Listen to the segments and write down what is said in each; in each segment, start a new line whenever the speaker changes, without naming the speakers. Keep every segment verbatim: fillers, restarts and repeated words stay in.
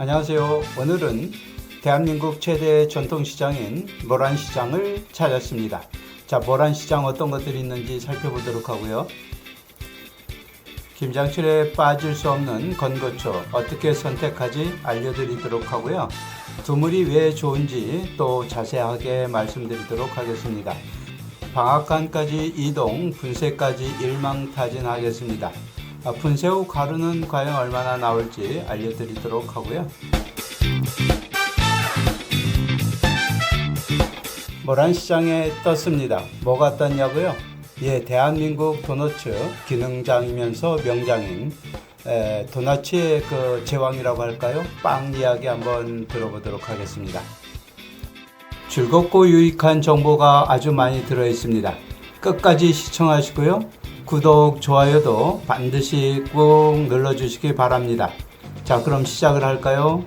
안녕하세요. 오늘은 대한민국 최대 전통시장인 모란시장을 찾았습니다. 자, 모란시장 어떤 것들이 있는지 살펴보도록 하고요. 김장철에 빠질 수 없는 건고초 어떻게 선택하지 알려드리도록 하고요. 두물이 왜 좋은지 또 자세하게 말씀드리도록 하겠습니다. 방앗간까지 이동, 분쇄까지 일망타진하겠습니다. 아, 분쇄 후 가루는 과연 얼마나 나올지 알려드리도록 하고요. 모란시장에 떴습니다. 뭐가 떴냐고요? 예, 대한민국 도너츠 기능장이면서 명장인 에, 도너츠의 그 제왕이라고 할까요? 빵 이야기 한번 들어보도록 하겠습니다. 즐겁고 유익한 정보가 아주 많이 들어 있습니다. 끝까지 시청하시고요. 구독, 좋아요도 반드시 꼭 눌러주시기 바랍니다. 자, 그럼 시작을 할까요?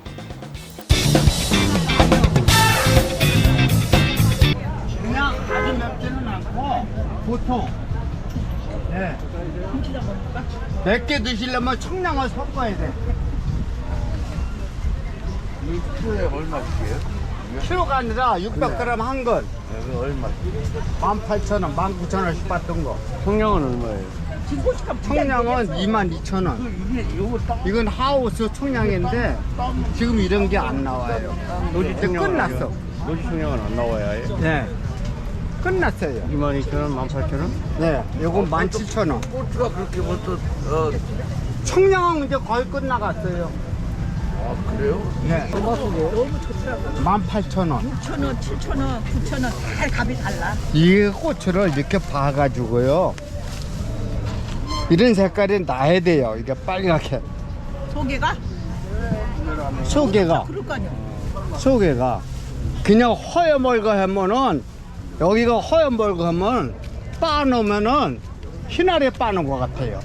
그냥 아주 맵지는 않고 보통 네. 맵게 드시려면 청량을 섞어야 돼.
이 키로에 얼마씩이에요?
키로가 아니라 육백 그램 한 건.
이거 얼마?
만 팔천 원, 만 구천 원씩 받던 거.
청량은 얼마예요?
청량은 이만 이천 원. 이건 하우스 청량인데 지금 이런 게 안 나와요. 이제 끝났어.
노지 청량은 안 나와야 해요?
네. 끝났어요.
이만 이천 원, 만 팔천 원?
네. 요건 만 칠천 원.
고추가 그렇게 벌써 어,
청량은 이제 거의 끝나갔어요.
아 그래요?
네.
너무 좋더라고요.
만 팔천 원.
육천 원, 칠천 원, 구천 원 다 값이 달라.
이 고추를 이렇게 봐가지고요. 이런 색깔이 나야 돼요. 이게 빨갛게.
조개가?
소개가,
그럴까요?
소개가. 그냥 허여멀거 하면은, 여기가 허여멀거 하면, 빠놓으면은, 희날에 빠는 것 같아요.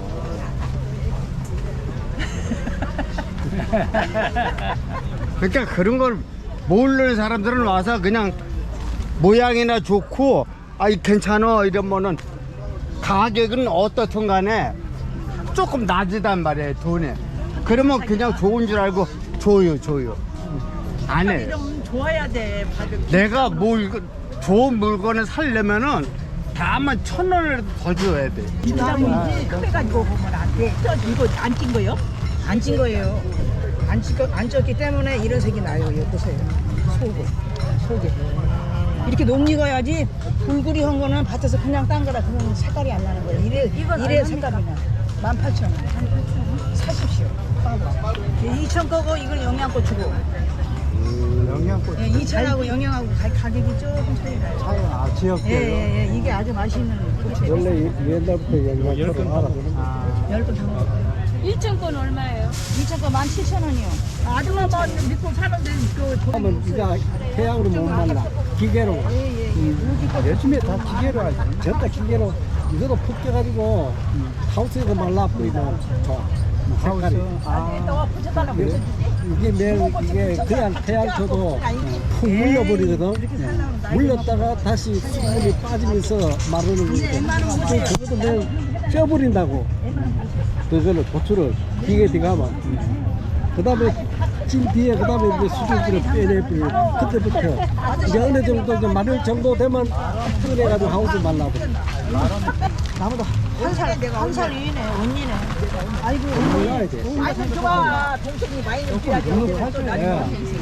그러니까 그런 걸 모르는 사람들은 와서 그냥 모양이나 좋고, 아, 이 괜찮아. 이러면은, 가격은 어떻든 간에 조금 낮이단 말이에요, 돈에. 그러면 그냥 좋은 줄 알고 줘요, 줘요. 안 해.
이러면 좋아야 돼. 가격.
내가 물, 좋은 물건을 살려면은 다만 천 원을 더 줘야 돼.
김장인지 크해가지고 보면 안 돼. 저 이거 안 찐 거요?
안 찐 거예요. 안, 찐 거, 안 쪘기 때문에 이런 색이 나요. 여기 보세요. 속에. 속에. 이렇게 녹익어야지 불구리 한 거는 밭에서 그냥 딴 거라 그러면 색깔이 안 나는 거예요. 이래, 이래 색깔이 나. 만 팔천 원. 사십시오. 이천 거고 이건 영양고추고.
영양고
예, 이천하고 영양하고 가, 가격이 조금 차이 나요.
차이 아, 지역별로.
예, 예, 예. 이게 아주 맛있는 고추예요.
원래 옛날부터 영양초를 알아보는
아,
열번 다 먹어요.
일천 건 얼마예요?
이천 거 만 칠천 원이요.
아줌마 뭐 믿고 사는데 그
하면 네가 태양으로 못 만나 기계로
예, 예, 예.
음, 요즘에 다 기계로 하지 전다 기계로 이거로 푹 쪄가지고 음, 하우스에서 말라버리면 좋아 음, 색깔이
또 붙여달라고
이게, 이게 매일 이게 그냥 태양초도 푹 물려버리거든. 예. 물렸다가 다시 수분이 빠지면서 마르는 거거든. 그것도 매일 쪄버린다고. 그걸로 고추를 기계 들어가면 그 다음에 찐 뒤에 그 다음에 이제 수증기를 빼내버리고 그때부터 이제 어느 정도 이제 마를 정도 되면 꺼내가지고 하우스 말라버려. 나무도
한살 내가 한 살 위네 언니네. 아이고
몰라야 돼.
아이고 좋아. 동생이 많이 느끼야지.
너무 하죠. 예.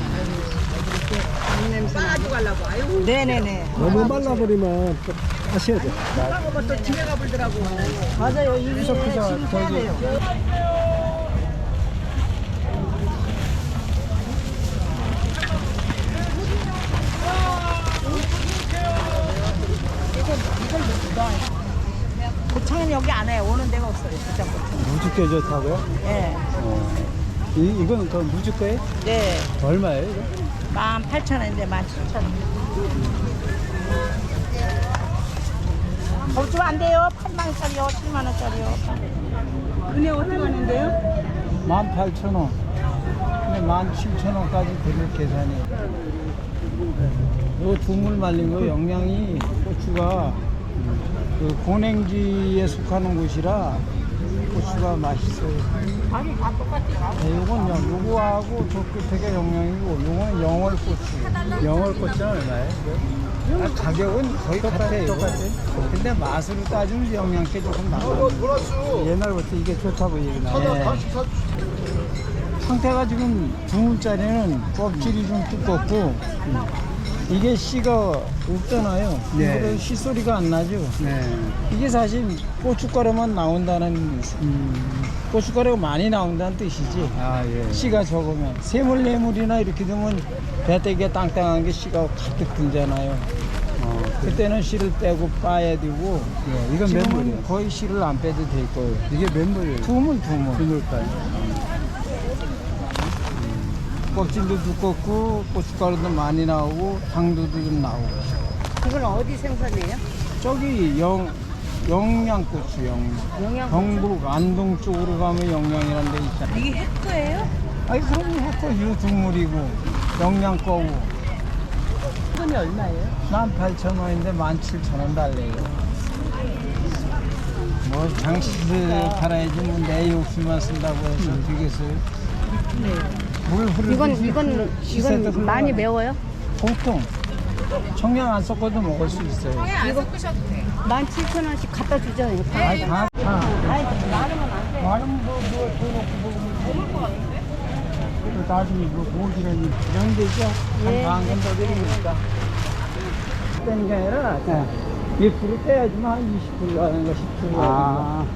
빠가지고 가려고. 아유.
네네네.
너무 말라버리면 또 하셔야 돼.
그런 거또 집에 가버리더라고.
맞아요. 이게 지금 해야 돼요.
고창은 여기 안 해요. 오는 데가 없어요. 고창 고창.
무죽게 좋다고요?
예.
이, 이건 그 무죽게
네.
얼마예요? 이거?
만 팔천 원인데 만 칠천 원. 더 주면 안 돼요. 팔만 원짜리요, 칠만 원짜리요.
은혜 어떻게 하는데요?
만 팔천 원. 근데 만 칠천 원까지 드릴 계산이. 요 두물 말린 거 영양이 고추가 그 고냉지에 속하는 곳이라 고추가 맛있어요. 네, 요건 영, 요거하고 저 끝에가 영양이고 요건 영월고추.
영월고추는 얼마예요?
아, 가격은 거의 같아요.
똑같아요?
근데 맛으로 따지면 영양게 조금 나아요.
옛날부터 이게 좋다고 얘기 나와요.
상태가 지금 두 문짜리는 껍질이 좀 두껍고 이게 씨가 없잖아요.
네.
그래서 씨 소리가 안 나죠.
네.
이게 사실 고춧가루만 나온다는
음.
고춧가루가 많이 나온다는 뜻이지.
아, 예.
씨가 적으면 세물레물이나 이렇게 되면 배때기가 땅땅한 게 씨가 가득 들잖아요.
어, 그,
그때는 씨를 빼고 빠야 되고
예, 이건 몇
지금은
물이에요?
거의 씨를 안 빼도 될 거예요.
이게 몇 물이에요?
두물 두물.
두물까요?
껍질도 두껍고 고춧가루도 많이 나오고 당도도 좀 나오고.
이건 어디 생산이에요?
저기 영 영양고추 영
영양
경북 안동 쪽으로 가면 영양이라는 데 있잖아요.
이게 햇거예요?
아니 그럼 해거 유 두물이고 영양 거고.
이건이 얼마예요?
만 팔천 원인데 만 칠천 원 달래요. 뭐 장식을 팔아야지 뭐 내 욕심만 쓴다고 해서 되겠어요? 물 흐르듯이
이건 이건
시세도
이건 많이
흘러가요.
매워요?
보통 청양 안 섞어도 먹을 수 있어요.
만 칠천 원씩 갖다 주죠. 이거.
아니 다, 다.
아이 많으면 안 돼.
많으면 뭐, 뭐, 더 넣고 먹으면 먹을 것 같은데? 또 나중에 뭐, 고기라니. 이런 게 있죠?
예.
한 반건 더 드리니까. 떼는 게 아니라, 몇 프로 떼야지만 한 이십 프로 가는 거, 십 프로 가는 거.
아,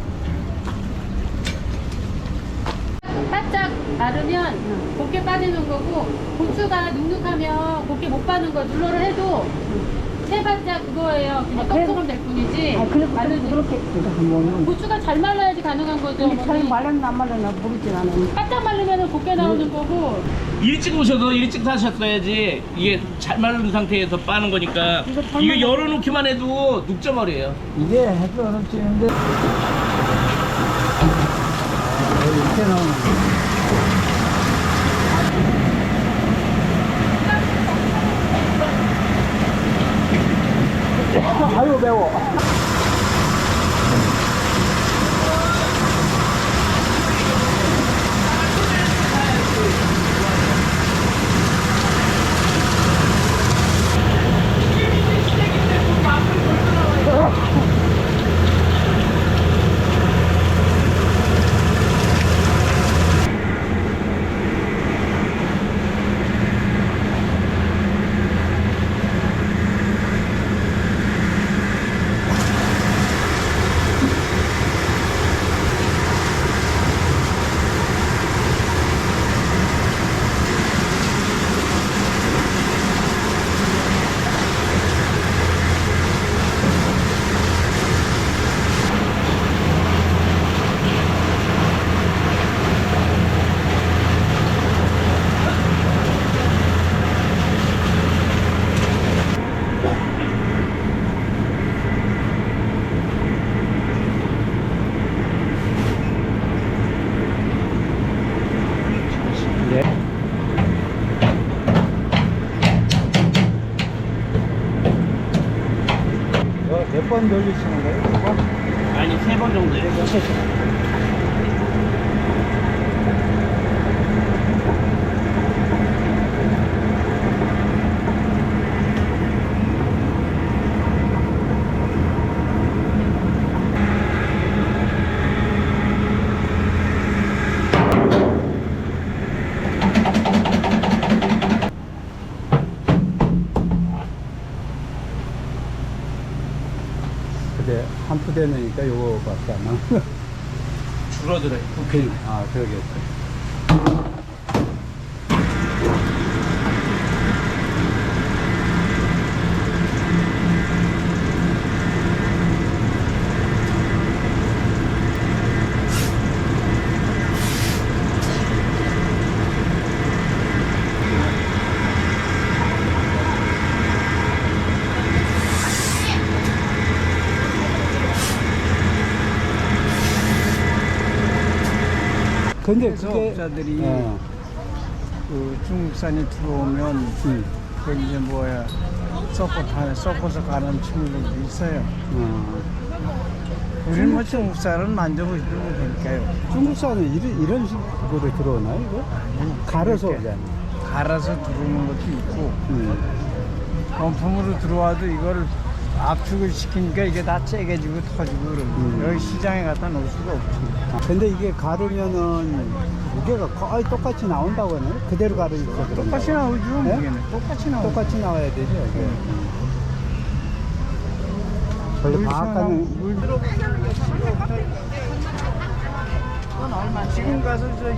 바짝 마르면 곱게 빠지는 거고 고추가 눅눅하면 곱게 못 빠는 거 눌러를 해도 채바짝 그거예요. 그냥 떡처럼 될 뿐이지.
아, 그래도
마르지.
그렇게
고추가 잘 말라야지 가능한 거죠.
근데 잘
어머니.
말랐나 안 말랐나 모르진 않아요.
바짝 말르면 곱게 나오는 거고.
일찍 오셔서 일찍 사셨어야지. 이게 잘 마른 상태에서 빠는 거니까.
이거 잘
이거
말라-
열어놓기만 해도 눅져버려요.
이게 해도 어렵지는데. 이렇게 나오는 거. 아유, 매워. 몇 번 돌리시는 거예요? 몇 번?
아니, 세 번 정도요.
근데 한 푸대 넣으니까 요거밖에 안 나와.
줄어들어요.
그, 아, 그러겠다. 근데 그게
업자들이
어,
그 중국산이 들어오면
음,
그 이제 뭐야 섞어 가 섞어서 가는 친구들도 있어요.
어,
우리는 뭐 중국산은 만져보지도 못하니까요.
중국산은 이런, 이런 식으로 들어오나요, 이거? 갈아서
이렇게.
오잖아요.
갈아서 들어오는 것도 있고
음.
원품으로 들어와도 이걸 압축을 시키니까 이게 다 째개지고 터지고 그러고
음.
여기 시장에 갖다 놓을 수가 없지.
아, 근데 이게 가르면은 무게가 거의 똑같이 나온다고 하나요? 그대로 가르니까 그런가?
똑같이 나오죠.
네?
무게는 똑같이 나오죠.
똑같이 나와야 되죠, 이게. 원래
물
방앗간은
시원하고 물 들어보시는 게 그건 얼마? 지금 가서 저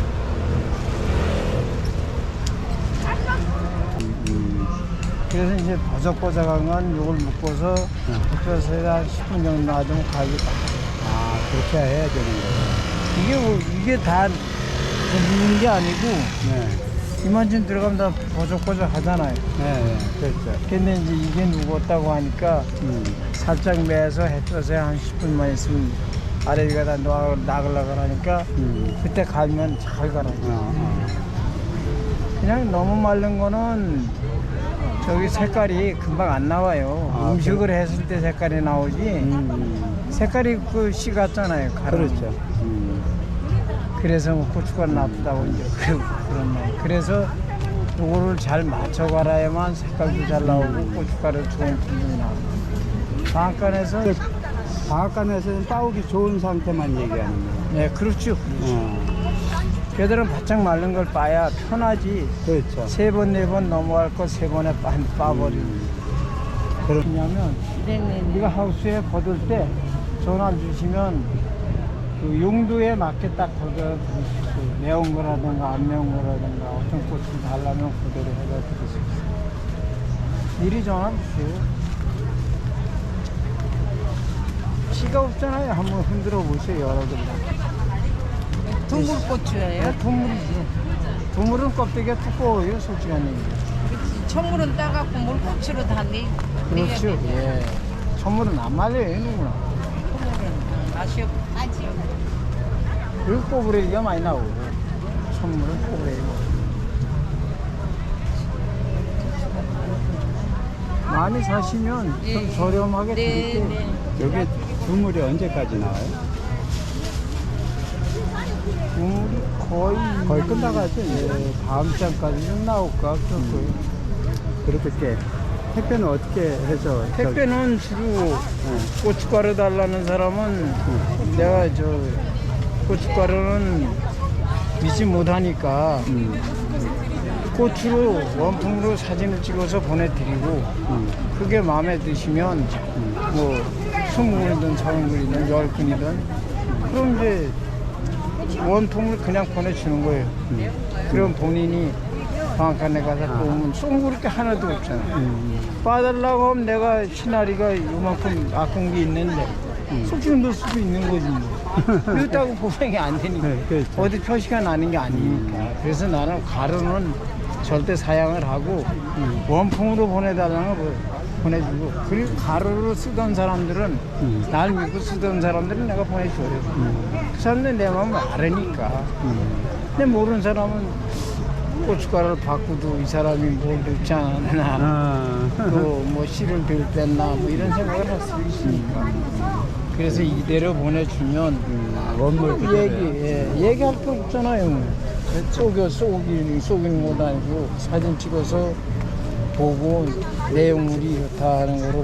음,
그래서 이제 버석버석한 건 요걸 묶어서 덮여서 한 십 분 정도 놔두면 가격이 딱.
아, 그렇게 해야 되는 거예요.
이게 뭐- 이게 다 묶는 게 아니고
네.
이만큼 들어가면 다 버석버석 하잖아요.
네, 네, 그렇죠.
근데 이제 이게 누웠다고 하니까
음.
살짝 매서 햇볕에 한 십 분만 있으면 아래 위가 다 나가- 나가려고 하니까
음.
그때 갈면 잘 가라요.
어, 어.
그냥 너무 마른 거는 저기 색깔이 금방 안 나와요.
아,
음식을 했을 때 색깔이 나오지.
음.
색깔이 그 씨 같잖아요. 가루는.
그렇죠. 음.
그래서 뭐 고추가 나쁘다고 이제 그, 그런 말. 그래서 요거를 잘 맞춰 갈아야만 색깔도 잘 나오고 고춧가루 좋은 품종이 나오고. 방앗간에서
방앗간에서는 빠우기 좋은 상태만 얘기하는 거예요.
네 그렇죠.
어.
걔들은 바짝 마른 걸 빠야 편하지.
그렇죠.
세 번 네 번 넘어갈 거 세 번에 빠, 빠버리고.
그럼
왜냐면 우리가 하우스에 거둘 때 전화 주시면 그 용도에 맞게 딱 거둬 드릴 수 있어요. 매운 거라든가 안 매운 거라든가 어떤 꽃을 달라면 그대로 해다 드릴 수 있어요. 미리 전화 주세요. 피가 없잖아요. 한번 흔들어 보세요. 여러분들.
동물고추예요.
네, 동물이죠. 동물은 껍데기가 두꺼워요. 솔직한 얘기.
천물은 따갖고 물고추로 다 내.
그렇죠. 예. 천물은 안 말려요. 누구나.
맛이 없. 아지요.
그리고 꼬부레기가 많이 나오고 천물은 꼬부레기고 많이 사시면 좀 저렴하게 드릴게요.
여기 두물이 언제까지 나와요?
국물이 거의
거의 끝나가죠, 이제.
예, 다음 장까지 좀 나올까 그럴 거예요.
그렇게 택배는 어떻게 해서
택배는 주로 고춧가루 달라는 사람은 내가 저 고춧가루는 믿지 못하니까
음,
고추로 원품으로 사진을 찍어서 보내드리고
음,
그게 마음에 드시면 뭐 스무 근이든 서른 근이든 열 근이든 그럼 이제 원통을 그냥 보내주는 거예요. 그럼 본인이 방앗간에 가서 보면 쏜구릴 게 하나도 없잖아요.
음,
빠달라고 하면 내가 시나리가 요만큼 아픈 게 있는데 솔직히 넣을 수도 있는 거지 뭐. 이렇다고 보상이 안 되니까.
네, 그렇죠.
어디 표시가 나는 게 아니니까. 그래서 나는 가루는 절대 사양을 하고 원품으로 보내달라는 거 보내주고 그리고 가루로 쓰던 사람들은
음.
날 믿고 쓰던 사람들은 내가 보내줘요. 그 사람들 내 마음을 알으니까.
음.
근데 모르는 사람은 고춧가루를 바꾸도 이 사람이 뭘 넣지 않았나
아,
또 뭐 씨를 덜 뺐나 뭐 이런 생각을 할 수 있으니까 그래서 이대로 보내주면
음, 원물
얘기,
그대로요.
예, 얘기할 거 없잖아요. 속여 속이는 속이는 것도 아니고 사진 찍어서 보고 내용물이 이렇다 하는 거를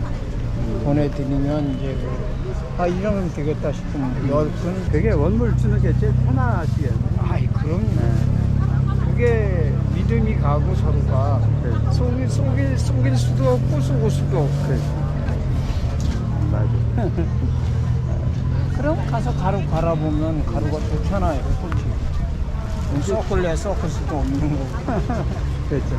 보내드리면 이제 아 이러면 되겠다 싶으면 열 분.
그게 원물 주는 게 제일 편하시겠네요.
아이 그럼요. 그게 믿음이 가고 서로가
네.
속일 속일 속일 수도 없고 속을 수도 없고.
맞아.
그럼 가서 가루 갈아보면 가루가 좋잖아요. 솔직히. 썩을래 썩을 수도 없는 거고.
그렇죠.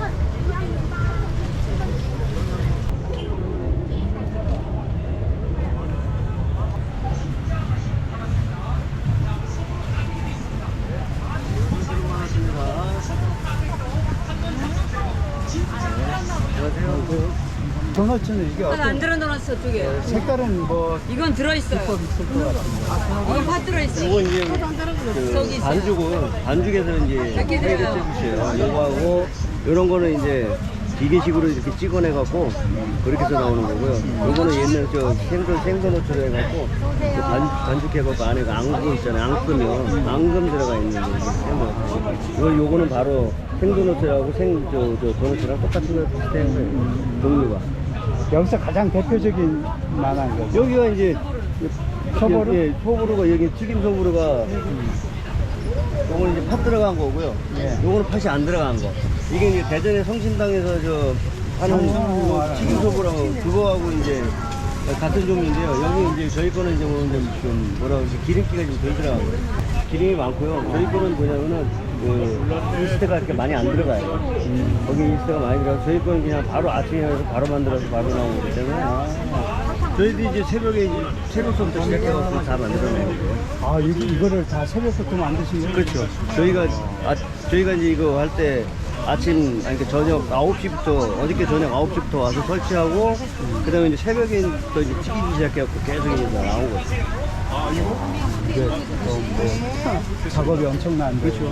도넛은 이게
하나 안
어떤
들어놓았어 두 개.
색깔은 뭐
이건 들어있어요.
비법 있을 것 같은데.
이건 파 들어있어.
이건 이제 그
저기 있어요.
반죽은 반죽에서 이제
이렇게
회를
돼요.
쪄주세요. 요거하고 이런 거는 이제
기계식으로 이렇게 찍어내갖고 그렇게 해서 나오는 거고요. 요거는 옛날 저 생선 생선호처럼 해갖고 그 반, 반죽해갖고 안에 앙금 있잖아요. 앙금이요. 앙금 들어가 있는 거. 생선. 요거는 바로 생선호처하고 생, 저, 저, 도넛이랑 똑같은 거 비슷한 거예요. 종류가.
여기서 가장 대표적인 만한 거.
여기가 이제
소보루?
예, 소보루가 여기 튀김 소보루가 요거는 이제 팥 들어간 거고요.
예.
요거는 팥이 안 들어간 거. 이게 이제 대전의 성신당에서 저 하는 거 튀김 소보루하고 그거하고 이제 같은 종류인데요. 여기 이제 저희 거는 이제 뭐 좀 뭐라 그러지 기름기가 좀 덜 들어가고 기름이 많고요. 저희 거는 뭐냐면은 그 이스트가 이렇게 많이 안 들어가요. 음. 거기 이스트가 많이 들어가서 저희 거는 그냥 바로 아침에 해서 바로 만들어서 바로 나오는 거기 때문에 저희도 이제 새벽에 이제 새벽부터 시작해서 다 만들어내는 거예요.
아, 여기 이거를 다 새벽부터 만드신 거예요?
그렇죠. 저희가 아, 저희가 이제 이거 할 때 아침 아니 그 저녁 아홉 시부터 어저께 저녁 아홉 시부터 와서 설치하고 그다음에 이제 새벽에 또 이제 튀기기 시작해갖고 계속 이제 나온 거죠.
이게 또 뭐 작업이 엄청난
그렇죠.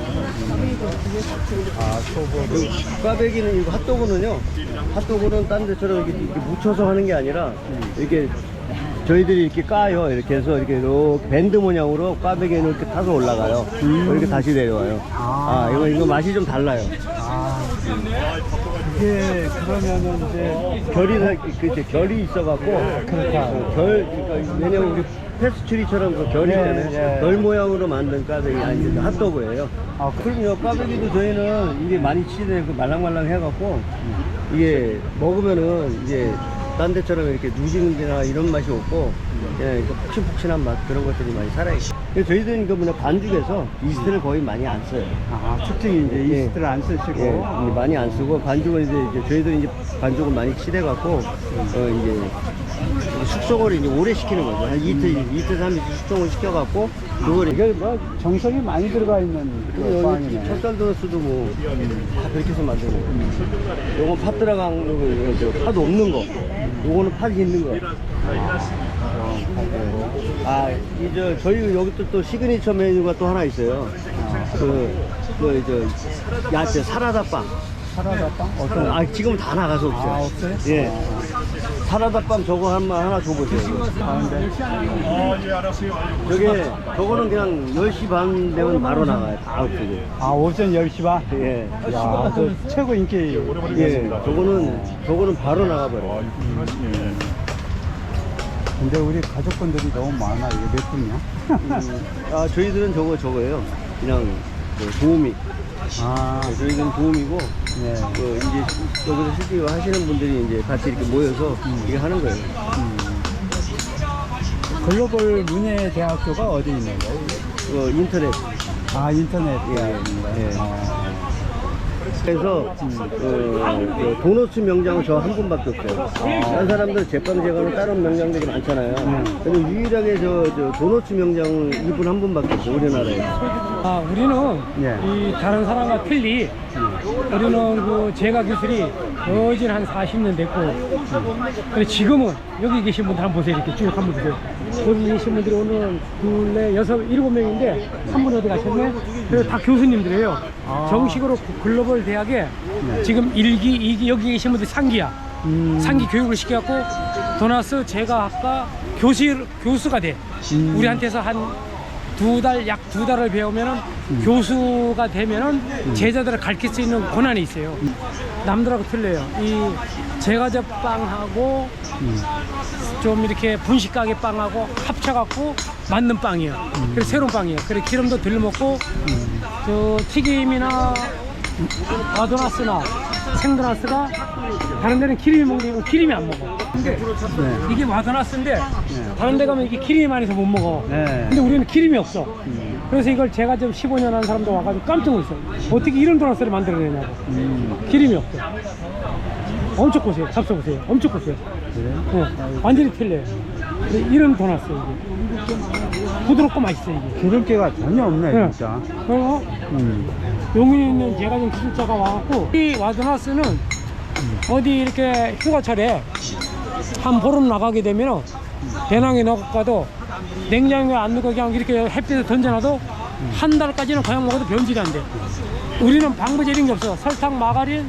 아, 소보루.
꽈배기는 이거 핫도그는요. 핫도그는 딴 데처럼 이렇게, 이렇게 묻혀서 하는 게 아니라 이렇게 저희들이 이렇게 까요. 이렇게 해서 이렇게 이렇게 밴드 모양으로 꽈배기는 이렇게 타서 올라가요. 이렇게 다시 내려와요. 아, 이거 이거 맛이 좀 달라요.
아, 이게 그러면은 이제
결이 그렇죠. 결이 있어갖고
그렇다.
어, 결 그러니까 왜냐면 우리 페스츄리처럼 그 결이 있잖아요.
예, 예.
결 모양으로 만든 꽈배기 아니 핫도그예요.
아,
그럼요. 꽈배기도 저희는 이게 많이 치대고 말랑말랑 해갖고 이게 먹으면은 이제 딴 데처럼 이렇게 누지는데나 이런 맛이 없고 그냥 이렇게 푹신푹신한 맛 그런 것들이 많이 살아있어요. 그래서 저희들은 이거 뭐냐 반죽에서 이스트를 거의 많이 안 써요.
아, 특징이 이제
예.
이스트를 안 쓰시고.
예, 이제 많이 안 쓰고 반죽은 이제, 이제 저희들은 이제 반죽을 많이 칠해갖고 어 이제 숙성을 이제 오래 시키는 거죠. 한 이틀, 이틀, 삼일 숙성을 시켜갖고 그걸
이게 뭐 정성이 많이 들어가 있는 그
여기
빵이네.
찹쌀 도넛도 뭐 다 그렇게 해서 만드는 거예요. 요건 팥 들어간 거, 저 팥 없는 거. 요거는 팥이 있는 거. 아, 이제 저희 여기 또, 또 시그니처 메뉴가 또 하나 있어요. 그, 그, 저, 야채 사라다 빵.
사라다 빵? 어떤?
아, 지금 다 나가서 없어요.
아, 없어요?
예. 사라다 빵 저거 한 마 하나 줘보세요.
가운데.
저게, 저거는 그냥 열 시 반 되면 바로 나가요. 다 없어요.
아, 오전 열 시 반?
예.
야, 저 최고 인기.
예. 저거는, 저거는 바로 나가버려요.
근데 우리 가족분들이 너무 많아. 이게 몇 분이야?
음, 아, 저희들은 저거, 저거예요. 그냥, 그 도우미.
아,
네, 저희는 도우미고,
네.
그 이제 여기서 실제로 하시는 분들이 이제 같이 이렇게 모여서 이게 하는 거예요.
글로벌 문예대학교가 어디 있는 거예요?
그 인터넷.
아, 인터넷.
예, 예.
아,
그래서 어, 그 도너츠 명장은 저 한 분밖에 없어요. 다른 사람들 제빵 제과는 다른 명장들이 많잖아요. 근데 유일하게 저, 저 도너츠 명장은 이분 한 분밖에 없어요. 우리나라에.
아, 우리는
예.
이 다른 사람과 틀리 우리는 그 제과 기술이 거진 한 사십 년 됐고 근데 지금은 여기 계신 분들 한번 보세요. 이렇게 쭉 한번 보세요. 여기 계신 분들이 오늘 둘, 넷, 여섯, 일곱 명인데 한 분 어디 가셨네? 그리고 다 교수님들이에요. 정식으로 글로벌 대학에 지금 일 기, 이 기 여기 계신 분들 삼 기야. 삼 기 교육을 시켜갖고 도나스 제과학과 교수, 교수가 돼. 우리한테서 한 두 달, 약 두 달을 배우면은 교수가 되면은 제자들을 가르칠 수 있는 권한이 있어요. 남들하고 틀려요. 이 제과제 빵하고 좀 이렇게 분식가게 빵하고 합쳐갖고 만든 빵이에요. 그래서 새로운 빵이에요. 그래서 기름도 덜 먹고 저 튀김이나 아도나스나 생도나스가 다른 데는 기름이 먹는 기름이 안 먹어. 근데 이게 와도나스인데 다른 데 가면 이게 기름이 많이 있어서 못 먹어.
네.
근데 우리는 기름이 없어. 그래서 이걸 제가 좀 십오 년 한 사람도 와가지고 깜짝 놀랐어요. 어떻게 이런 도나스를 만들어내냐고. 기름이 없어. 엄청 고소해요. 잡숴보세요. 엄청 고소해요. 네. 완전히 틀려요. 이런 도나스 이게 부드럽고 맛있어요 이게.
기름기가 전혀 없네,
네.
진짜.
그리고
음.
용인에 있는 제가 좀 기술자가 와갖고 이 와드나스는 어디 이렇게 휴가철에 한 보름 나가게 되면 배낭에 넣어가도 냉장고에 안 넣고 그냥 이렇게 햇빛에 던져놔도 한 달까지는 그냥 먹어도 변질이 안 돼. 우리는 방부제 이런 게 없어. 설탕, 마가린,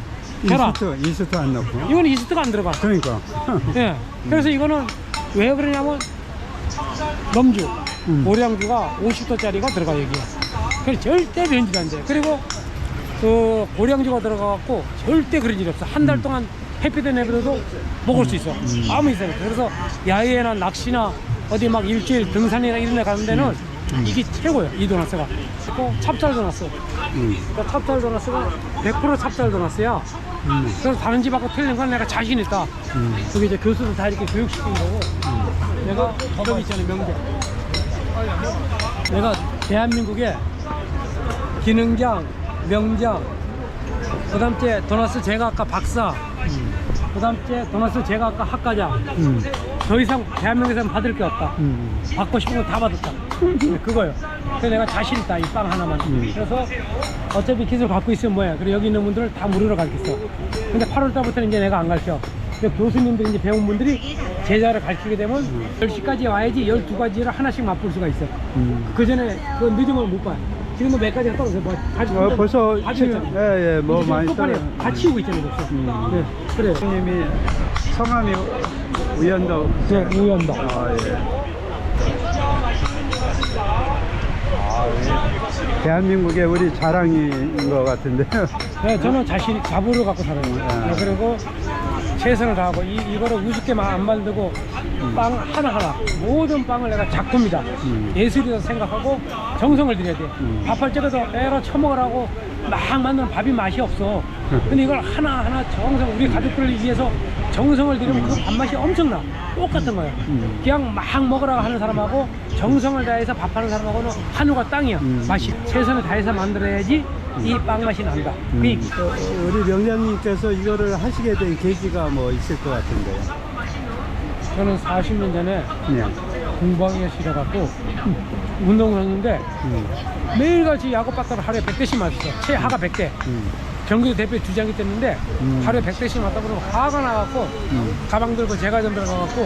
계란.
이스트, 이스트 안 넣고.
이거는 이스트가 안 들어가.
그러니까.
예. 그래서 이거는 왜 그러냐면 넘주,
음.
고량주가 오십 도짜리가 들어가 여기에. 그래서 절대 변질 안 돼. 그리고 그 고량주가 들어가갖고 절대 그런 일이 없어. 한 달 동안 햇빛에 내버려도 먹을 수 있어. 아무 이상 없어. 그래서 야외나 낚시나 어디 막 일주일 등산이나 이런 데 가는 데는 이게 최고예요. 이 도나스가. 또 찹쌀 도나스.
음.
그러니까 찹쌀 도나스가 백 퍼센트 찹쌀 도나스야.
음.
그래서 다른 집하고 틀린 건 내가 자신 있다.
음.
여기 이제 교수들 다 이렇게 교육시킨 거고, 내가 저기 있잖아요, 명제. 내가 대한민국에 기능장, 명장, 그 다음째 도나스 제과학과 박사, 그 다음째 도나스 제과학과 학과장.
음.
더 이상 대한민국에서는 받을 게 없다.
음.
받고 싶은 거 다 받았다. 네, 그거요. 그래서 내가 자신 있다, 이 빵 하나만.
음.
그래서 어차피 기술 갖고 있으면 뭐야. 그리고 여기 있는 분들을 다 무료로 가르쳤어. 근데 팔월 달부터는 이제 내가 안 가르쳐. 근데 교수님들이 이제 배운 분들이 제자를 가르치게 되면
음.
열 시까지 와야지 열두 가지를 하나씩 맛볼 수가 있어.
음.
그 전에 그 늦으면 못 봐. 지금도 몇 가지가 떨어져. 뭐, 다,
어, 벌써 지금, 예, 예, 뭐
지금
많이
똑바로
떨어져.
다 치우고 있잖아요, 벌써.
음.
네, 그래요.
님이 성함이 우연도.
네, 우연다.
아, 예. 아, 예. 대한민국의 우리 자랑인 것 같은데요.
네, 저는 자신 자부를 갖고 살아요. 네, 그리고 최선을 다하고 이, 이거를 우습게 안 만들고 빵 하나하나 모든 빵을 내가 작품이다.
음.
예술이다 생각하고 정성을 들여야 돼.
음.
밥할 적에도 애로 처먹으라고 막 만드는 밥이 맛이 없어. 근데 이걸 하나하나 정성, 우리 가족들을 위해서 정성을 들이면 그 밥맛이 엄청나. 똑같은 거야.
음.
그냥 막 먹으라고 하는 사람하고 정성을 다해서 밥하는 사람하고는 하늘과 땅이야.
음.
맛이. 최선을 다해서 만들어야지 이 빵 맛이 난다.
음.
그
어, 우리 명장님께서 이거를 하시게 된 계기가 뭐 있을 것 같은데요.
저는 사십 년 전에
네.
공부하기가 싫어갖고 운동을 했는데
음.
매일같이 야구 배터를 하루에 백 대씩 맞았어. 최하가 백 대.
음.
경기도 대표 주장이 됐는데
음.
하루에 백 대씩 맞다 보면 화가 나갖고
음.
가방 들고 제과점 들어가갖고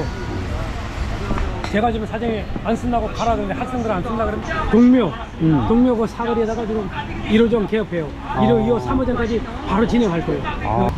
제과점 사장이 안 쓴다고 가라던데 학생들 안 쓴다 그러면 동묘
음.
동묘 그 사거리에다가 지금 일 호점 개업해요. 일 호, 이 호, 삼 호점까지 바로 진행할 거예요.
아.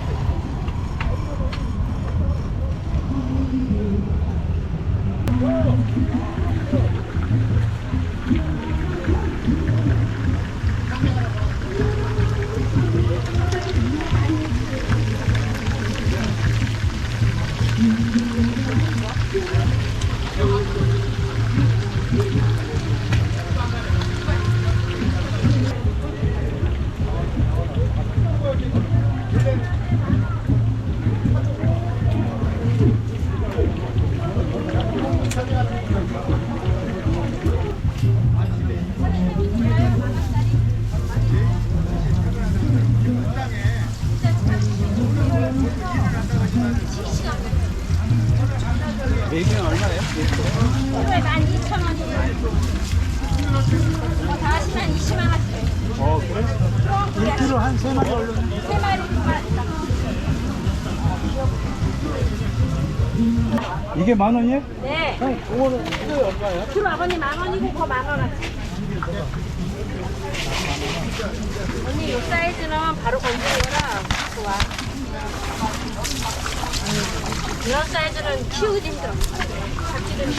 이거에 만 이천 원이에요. 다 하시면 이십만 원씩.
어, 그래? 일 킬로그램 한 세 마리 얼른.
세 마리, 두 마리.
이게 만 원이에요?
네.
형, 그거는 키로에 얼마예요?
그 아버님 만 원이고 그 만 원어치. 언니 요 사이즈는 바로 건드려라. 좋아. 이런 사이즈는 키우기 힘들어. 잡지는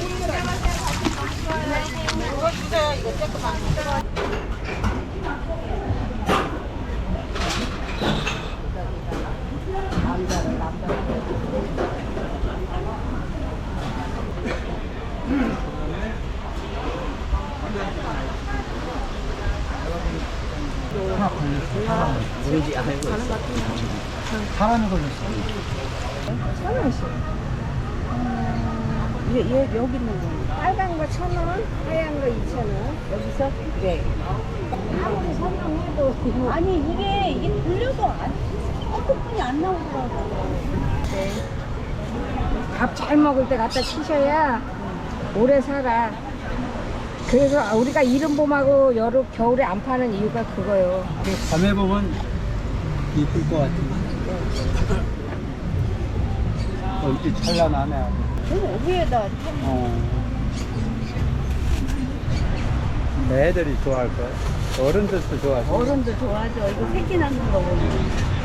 이거 주세요. 이거 조금만.
사람이 걸렸어.
얘, 얘 여기 있는 거. 빨간 거 천 원, 하얀 거 이천 원. 여기서? 네. 아무리 설명해도. 아니, 이게, 이게 돌려도 안, 어떻게 안 나오더라고. 네. 밥 잘 먹을 때 갖다 치셔야 오래 살아. 그래서 우리가 이른봄하고 여름, 겨울에 안 파는 이유가 그거예요.
밤에 보면 이쁠 것 같은데. 어, 이렇게 찬란하네.
어, 위에다.
어. 애들이 좋아할 거야. 어른들도 좋아하지.
어른도 좋아하죠. 이거 새끼 낳는 거 보면.